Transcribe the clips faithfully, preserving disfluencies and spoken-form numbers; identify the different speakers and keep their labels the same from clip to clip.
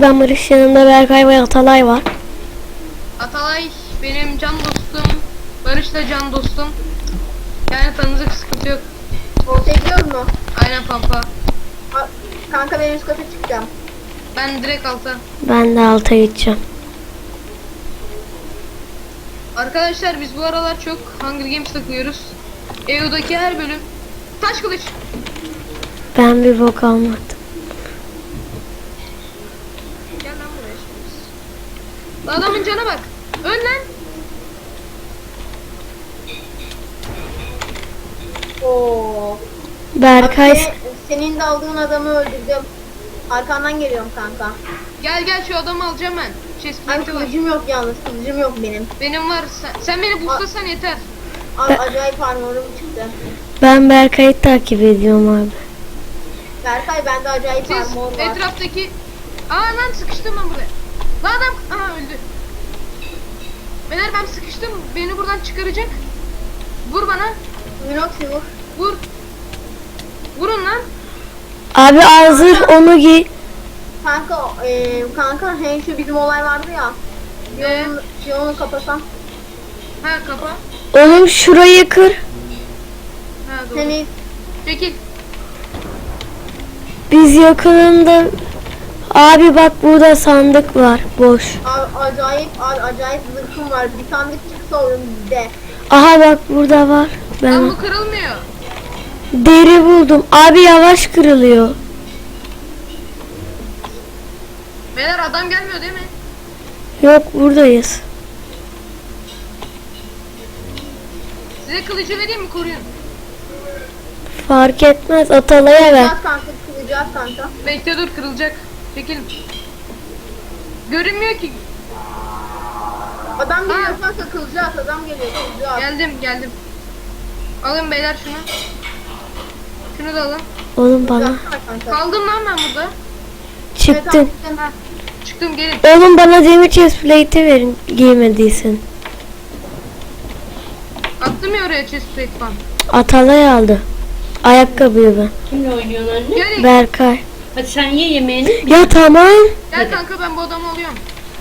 Speaker 1: ben Barış, yanında Berkay ve Atalay var.
Speaker 2: Atalay benim can dostum. Barış da can dostum. Yani tanıdık, sıkıntı yok.
Speaker 3: Ortaya gidiyoruz mu?
Speaker 2: Aynen pampa.
Speaker 3: A- Kanka ben üst kata çıkacağım.
Speaker 2: Ben direkt alta.
Speaker 1: Ben de alta gideceğim.
Speaker 2: Arkadaşlar biz bu aralar çok Hunger Games takıyoruz. E U'daki her bölüm. Taş kılıç.
Speaker 1: Ben bir bok almadım.
Speaker 2: Gel lan buraya şimdi. Adamın cana bak. Öl lan.
Speaker 3: Oo.
Speaker 1: Berkay
Speaker 3: Abi, se- senin de aldığın adamı öldürdüm. Arkandan geliyorum kanka.
Speaker 2: Gel gel şu adamı alacağım ben.
Speaker 3: Ay
Speaker 2: Chestplate'i var.
Speaker 3: kılıcım yok yalnız. Kılıcım yok benim.
Speaker 2: Benim var. Sen, sen beni boostlasan yeter.
Speaker 3: Abi
Speaker 1: Ben-
Speaker 3: acayip armorum çıktı.
Speaker 1: ben Berkay'ı takip ediyorum abi.
Speaker 3: Berkay bende acayip
Speaker 2: Siz
Speaker 3: armor var.
Speaker 2: etraftaki... Aa lan sıkıştım ben buraya. Lan adam... Aha öldü. Beyler ben sıkıştım. Beni buradan çıkaracak. Vur bana.
Speaker 3: Minoxi vur.
Speaker 2: Vur. Vurun lan.
Speaker 1: Abi hazır, onu giy.
Speaker 3: Kanka, e, kanka hey şu bizim olay vardı ya.
Speaker 2: Ee?
Speaker 3: Yolunu, yolunu kapasam.
Speaker 2: Ha kapa.
Speaker 1: Oğlum şurayı kır.
Speaker 2: Ha doğru.
Speaker 3: Seni
Speaker 2: Çekil.
Speaker 1: Biz yakınında. Abi bak, burada sandık var, boş.
Speaker 3: a- acayip a- acayip zırhım var. Bir sandık çıksa oyun bizde.
Speaker 1: Aha bak, burada var.
Speaker 2: Lan
Speaker 1: Ben
Speaker 2: bu kırılmıyor.
Speaker 1: deri buldum. Abi yavaş kırılıyor.
Speaker 2: Beyler adam gelmiyor değil mi?
Speaker 1: Yok, buradayız.
Speaker 2: Size kılıcı vereyim mi, koruyun?
Speaker 1: Fark etmez, Atalay'a ver.
Speaker 3: Kıracağız kanka, kıracağız kanka.
Speaker 2: Bekle dur, kırılacak. Çekil. Görünmüyor ki.
Speaker 3: Adam geliyor
Speaker 2: Ha.
Speaker 3: kanka, kılacağız. Adam geliyor, kılacağız.
Speaker 2: Geldim geldim. Alın beyler şunu. Şunu da alın.
Speaker 1: Oğlum bana.
Speaker 3: Kılacağız kanka.
Speaker 2: Kaldım lan ben burada.
Speaker 1: Çıktın.
Speaker 3: Evet,
Speaker 2: Ha. Çıktım gelin.
Speaker 1: Oğlum bana demir chestplate'i verin, giymediysen.
Speaker 2: Attım ya oraya chestplate falan.
Speaker 1: Atalay aldı. Ayakkabıyı ben.
Speaker 4: Kimle oynuyorsun anne?
Speaker 2: Gel
Speaker 1: Berkay.
Speaker 4: Hadi sen ye yemeğini.
Speaker 1: Ya tamam.
Speaker 2: gel kanka, ben bu adamı alıyorum.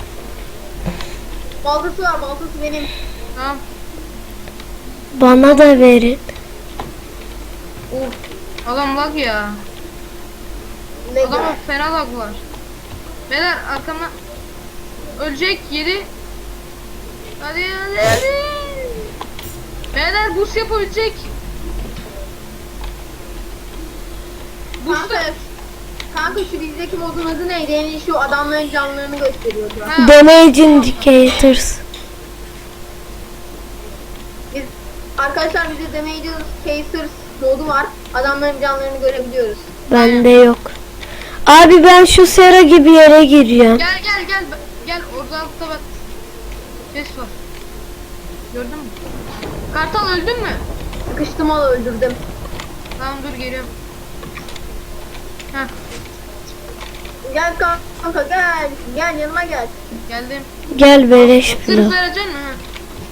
Speaker 3: baltası var, baltası benim.
Speaker 2: Tamam.
Speaker 1: Bana da verin.
Speaker 2: Of. Adam lag ya.
Speaker 3: Ne
Speaker 2: Adama fena lag var. Beyler arkamdan ölecek yeri. Hadi hadi hadi. Beyler boost yapabilecek. Boost
Speaker 3: Kanka, kanka şu bizdeki modun adı neydi? Yani şu adamların canlarını gösteriyordu.
Speaker 2: Ha.
Speaker 1: Damage indicators.
Speaker 3: Biz arkadaşlar bizde Damages Chasers modu var. Adamların canlarını görebiliyoruz.
Speaker 1: Bende yok. Abi ben şu sera gibi yere giriyorum.
Speaker 2: Gel gel gel gel, orada altta bak. Ses var. Gördün mü? Kartal öldün mü?
Speaker 3: Sıkıştım, al öldürdüm.
Speaker 2: Tamam dur, geliyorum. Heh,
Speaker 3: Gel kanka, gel. Gel yanıma gel.
Speaker 2: geldim.
Speaker 1: Gel beleş
Speaker 2: Sırf
Speaker 1: blok.
Speaker 2: vereceksin mi? Ha.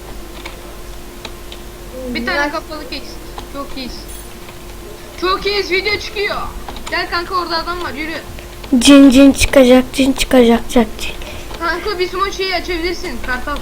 Speaker 2: Bir tane
Speaker 3: Gel.
Speaker 2: kapalı keks. Çok iyiyiz. Çok iyiyiz, video çıkıyor. Gel kanka, orada adam var, yürü.
Speaker 1: Cin cin çıkacak, cin çıkacak, cin.
Speaker 2: Kanka bir sumo şeyi açabilirsin Kartal.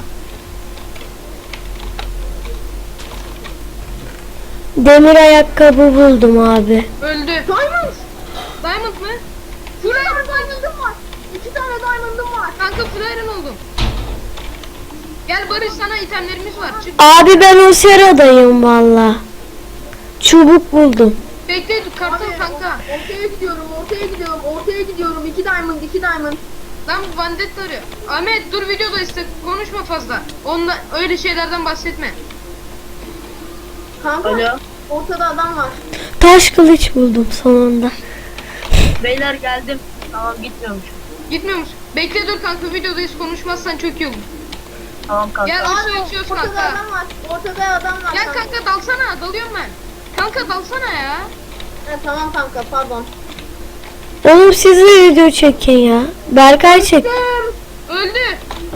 Speaker 1: Demir ayakkabı buldum abi.
Speaker 2: Öldü.
Speaker 3: Diamond.
Speaker 2: Diamond mı?
Speaker 3: Bir tane diamond'ım var. İki tane diamond'ım var.
Speaker 2: Kanka full iron oldum. Gel Barış, sana itemlerimiz var. Çık.
Speaker 1: Abi ben o seradayım valla. Çubuk buldum.
Speaker 2: Bekle Kartal
Speaker 3: Abi,
Speaker 2: kanka.
Speaker 3: o- ortaya gidiyorum, ortaya gidiyorum, ortaya gidiyorum. İki diamond, iki diamond.
Speaker 2: Lan bu Vandetta arıyor. Ahmet dur, videoda işte konuşma fazla. Onunla öyle şeylerden bahsetme.
Speaker 3: Kanka,
Speaker 4: Alo.
Speaker 3: ortada adam var.
Speaker 1: Taş kılıç buldum sonunda.
Speaker 4: Beyler geldim. Tamam gitmiyormuş.
Speaker 2: Gitmiyor musun? Bekle dur kanka, videodayız, konuşmazsan çok iyi olur.
Speaker 4: Tamam kanka.
Speaker 2: Gel
Speaker 3: Abi,
Speaker 2: aşağı içiyoruz
Speaker 3: ortada
Speaker 2: kanka.
Speaker 3: adam var. Ortada adam var.
Speaker 2: Gel kanka, dalsana, dalıyorum ben. Kanka dalsana ya.
Speaker 3: Ha, tamam kanka, pardon.
Speaker 1: Oğlum siz de video çekin ya. Berkay çek.
Speaker 2: Öldü.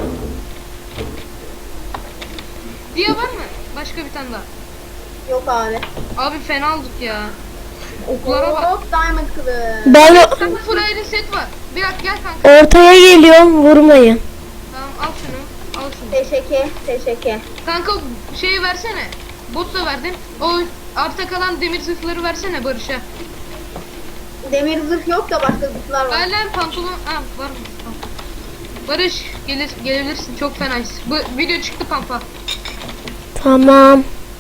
Speaker 2: Diye var mı? Başka bir tane daha.
Speaker 3: Yok abi.
Speaker 2: Abi fena olduk ya. Oklara bak.
Speaker 3: Hop, diamond kılıç.
Speaker 1: Ben o...
Speaker 2: Kanka full iron set var. Bir dakika gel kanka.
Speaker 1: Ortaya geliyorum, vurmayın.
Speaker 2: Tamam al şunu. Al şunu.
Speaker 3: Teşekkür, teşekkür.
Speaker 2: Kanka şeyi versene. Bot da verdim. O arta kalan demir zırhları versene Barış'a.
Speaker 3: Demir zırh yok da başka zırhlar var.
Speaker 2: Ver lan pantolon. Ha var mı? Tamam. Barış gelir, gelebilirsin. Çok fenayız. Bu video çıktı pampa.
Speaker 1: Tamam.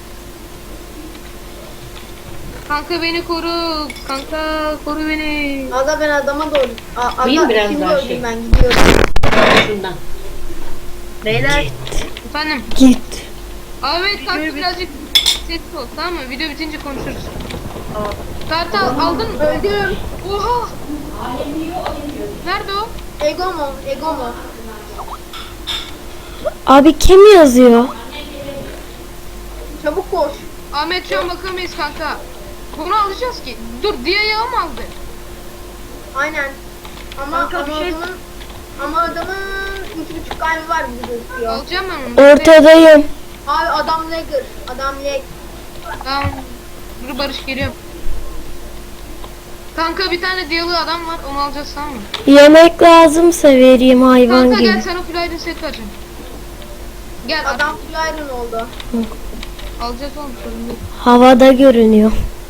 Speaker 2: Kanka beni koru. Kanka koru beni.
Speaker 3: Aga ben adama doğru. A- Aga
Speaker 4: Koyayım biraz
Speaker 3: şimdi
Speaker 4: daha
Speaker 3: öldüm
Speaker 4: şey.
Speaker 3: ben gidiyorum.
Speaker 4: Şundan. Beyler
Speaker 2: Efendim.
Speaker 1: Git.
Speaker 2: Ahmet kanka
Speaker 4: bir-
Speaker 2: birazcık sesli ol tamam mı? Video bitince konuşuruz.
Speaker 4: tamam.
Speaker 2: Kartal aldın mı?
Speaker 3: Öldüm.
Speaker 2: Oha. Nerede o?
Speaker 3: Ego mu? Ego mu?
Speaker 1: Abi kim yazıyor?
Speaker 3: Çabuk koş.
Speaker 2: Ahmet şu an bakamayız kanka. Bunu alacağız ki. Dur diye yağı mı aldı?
Speaker 3: Aynen. Ama
Speaker 4: Kanka,
Speaker 3: ama
Speaker 4: bir şey-
Speaker 3: adamın ama adamın üç buçuk kalbi var gibi gözüküyor.
Speaker 2: Alacağım ben onu.
Speaker 1: Ortadayım.
Speaker 3: Abi adam lagger. Adam lag.
Speaker 2: Tamam. Dur Barış geliyorum. Kanka bir tane diyalı adam var onu alacağız tamam mı?
Speaker 1: Yemek lazımsa vereyim hayvan
Speaker 2: Kanka
Speaker 1: gibi.
Speaker 2: gel sana full iron set vereceğim. Gel adam.
Speaker 3: Adam full iron oldu.
Speaker 2: Alacağız oğlum sorun değil.
Speaker 1: Havada görünüyor.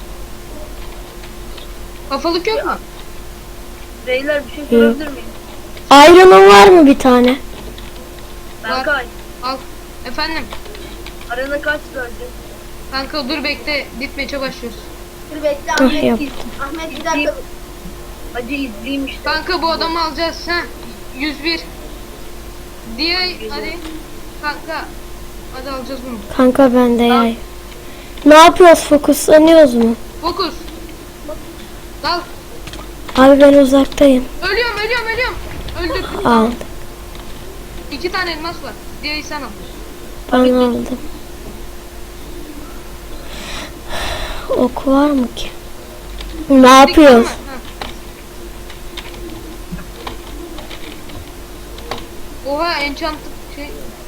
Speaker 2: Kafalık yok mu?
Speaker 4: Beyler bir şey sorabilir miyim?
Speaker 1: Iron'un var mı bir tane?
Speaker 4: Berkay.
Speaker 2: Al. Efendim.
Speaker 4: Arana kaç verdi?
Speaker 2: Kanka dur bekle. Ditmeçe başlıyoruz.
Speaker 3: Dur bekle
Speaker 1: Ah,
Speaker 3: Ahmet.
Speaker 1: yap.
Speaker 3: Ahmet bir dakika.
Speaker 4: Hadi izleyeyim işte.
Speaker 2: Kanka bu adamı alacağız. Ha. yüz bir. Diye hadi. Kanka. Hadi alacağız bunu.
Speaker 1: Kanka bende yay. Ne yapıyoruz? Fokuslanıyoruz mu?
Speaker 2: Fokus. Dal.
Speaker 1: Abi ben uzaktayım.
Speaker 2: Ölüyorum ölüyorum ölüyorum. Öldürdüm.
Speaker 1: Al.
Speaker 2: İki tane elmas var. Diyeyi sen al.
Speaker 1: Ben aldım. Ok var mı ki? Ne yapıyoruz?
Speaker 2: Ha. Oha enchant şey.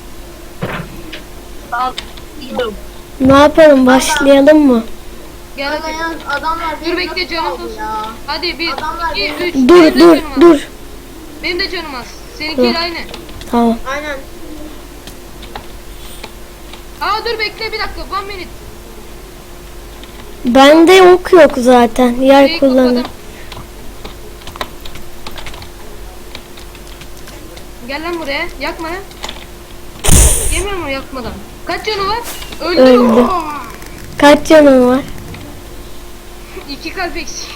Speaker 4: Al. İyiyim.
Speaker 1: Ne yapalım? Başlayalım mı?
Speaker 2: Gel
Speaker 3: Aga
Speaker 2: hadi.
Speaker 3: yalnız adamlar
Speaker 2: Dur
Speaker 3: beni
Speaker 2: bekle
Speaker 3: nasıl
Speaker 2: canım
Speaker 3: aldı
Speaker 2: olsun.
Speaker 3: ya?
Speaker 2: Hadi bir,
Speaker 3: Adamlar
Speaker 2: iki,
Speaker 3: beni-
Speaker 2: üç.
Speaker 1: Dur
Speaker 2: Benim de
Speaker 1: dur
Speaker 2: canım az.
Speaker 1: dur.
Speaker 2: Benim de canım az. Seninkiyle
Speaker 1: Dur.
Speaker 2: aynı.
Speaker 1: Tamam.
Speaker 3: Aynen.
Speaker 2: Aa dur bekle bir dakika. One minute.
Speaker 1: Bende ok yok zaten. Yer
Speaker 2: Şeyi
Speaker 1: kullanır.
Speaker 2: kapadım. Gel lan buraya. Yakma lan. Yemiyor mu yakmadan? Kaç canı var? Öldü.
Speaker 1: Öldü.
Speaker 2: Oh!
Speaker 1: Kaç canın var?
Speaker 2: İki kalp eksik.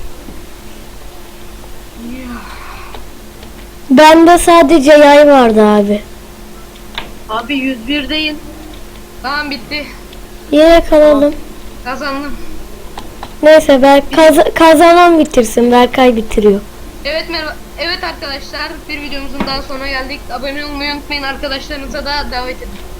Speaker 1: Bende sadece yay vardı abi.
Speaker 4: Abi yüz birdeyim.
Speaker 2: Tamam bitti.
Speaker 1: Yine kalalım.
Speaker 2: Kazandım.
Speaker 1: Neyse ben kaz- kazanan bitirsin. Berkay bitiriyor.
Speaker 2: Evet merhaba. Evet arkadaşlar bir videomuzun daha sonuna geldik. Abone olmayı unutmayın arkadaşlarınıza da davet edin.